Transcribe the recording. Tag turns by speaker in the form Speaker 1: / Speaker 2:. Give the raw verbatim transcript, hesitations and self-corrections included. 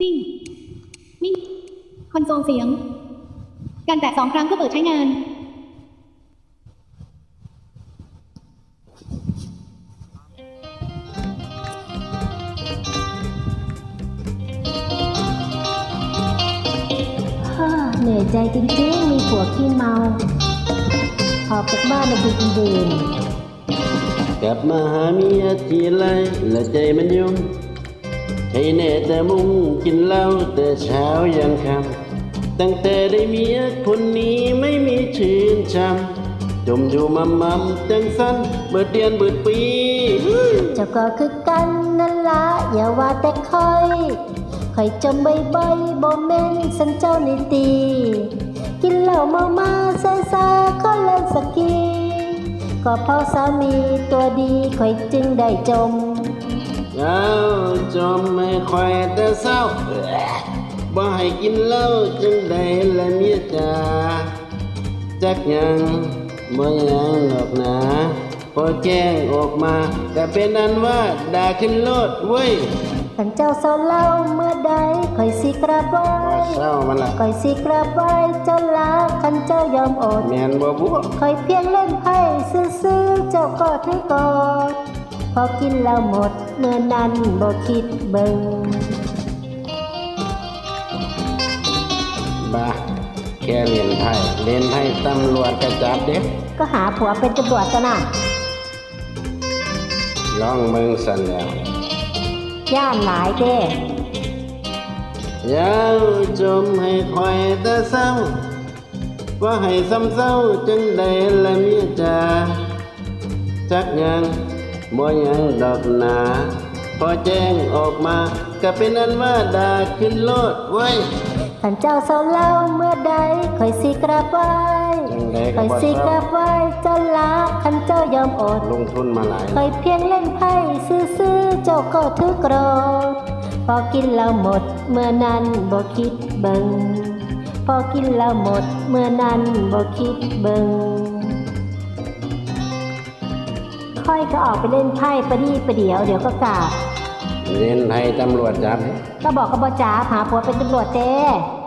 Speaker 1: ติ้งมิ่งคอนโซลเสียงการแตะสองครั้งเพื่อเปิดใช้งาน
Speaker 2: ฮ่าเหนื่อยใจจริงๆมีผัวขี้เมาออกจากบ้านมาดูกินดื่ม
Speaker 3: กลับมาหาเมียทีไรและใจมันยุ่งใช่แน่แต่มุ่งกินเหล้าแต่เช้ายันค่ำตั้งแต่ได้เมียคนนี้ไม่มีชื่นช้ำจมอยู่มัมมัมจังสันเบิดเดือนเบิดปี
Speaker 2: เจ้าก็คือกันนั่นละอย่าว่าแต่คอยคอยจมใบใบบ่แม่นสันเจ้าในตี กินเหล้าเมามาซาซาก็เล่นสกีก็เพราะสามีตัวดีคอยจึงได้จม
Speaker 3: เจ้าจมไม่ค่อยแต่เศร้าบ่ให้กินเหล้าจังใดละเมียจ๋าจักยังบ่ยังหรอกนะพอแจ้งออกมาก็เป็นอันว่าด่าขึ้นโลดเว้ย
Speaker 2: ขันเจ้าเศร้าเล่าเมื่อใดคอยสิกราบไหว้
Speaker 3: เศร้ามันละ
Speaker 2: คอยสิกราบไหว้เจ้าลาขันเจ้ายอมอด
Speaker 3: แม่นบ่บัว
Speaker 2: คอยเพียงเล่นไพ่ซื่อๆเจ้าก็ถือกอดพอกินแล้วหมดเมื่อนั้นบ่คิดเบิ่ง
Speaker 3: บ้าแค่เล่นไพ่เล่นไพ่ตำรวจกระจับเด็ก
Speaker 2: ก็หาผัวเป็นตำรวจกันน่ะ
Speaker 3: ลองเมืองสันแล้ว
Speaker 2: ย่านหลายเด้
Speaker 3: ยาวจมให้คอยแต่เศร้าว่าให้ซ้ำเศร้าจังใดละเมียจ๋าจักยังบ่ยังดอกหนาพอแจ้งออกมาก็เป็นอันว่าด่าขึ้นโลดไว้
Speaker 2: ขันเจ้าเศร้าเล่าเมื่อใดคอยสิกราบไหว้
Speaker 3: จังใด
Speaker 2: ค
Speaker 3: ก็
Speaker 2: อย
Speaker 3: บ่
Speaker 2: สิ
Speaker 3: เศ
Speaker 2: ก
Speaker 3: ร้า
Speaker 2: ราบไหว้เจ้าลาขันเจ้ายอมอด
Speaker 3: ลงทุนมาหลาย
Speaker 2: คอยเพียงเล่นไพ่ซื่อๆเจ้าก็ถือโกรธพอกินแล้วหมดเมื่อนั้นบ่คิดเบิ่งพอกินแล้วหมดเมื่อนั้นบ่คิดเบิ่งค่อยก็ออกไปเล่นไพ่ประดีประเดี๋ยวเดี๋ยวก็กลับ
Speaker 3: เล่นไพ่ตำรวจจับ
Speaker 2: ก็บอกกับบจ๋าหาผัวเป็นตำรวจเต้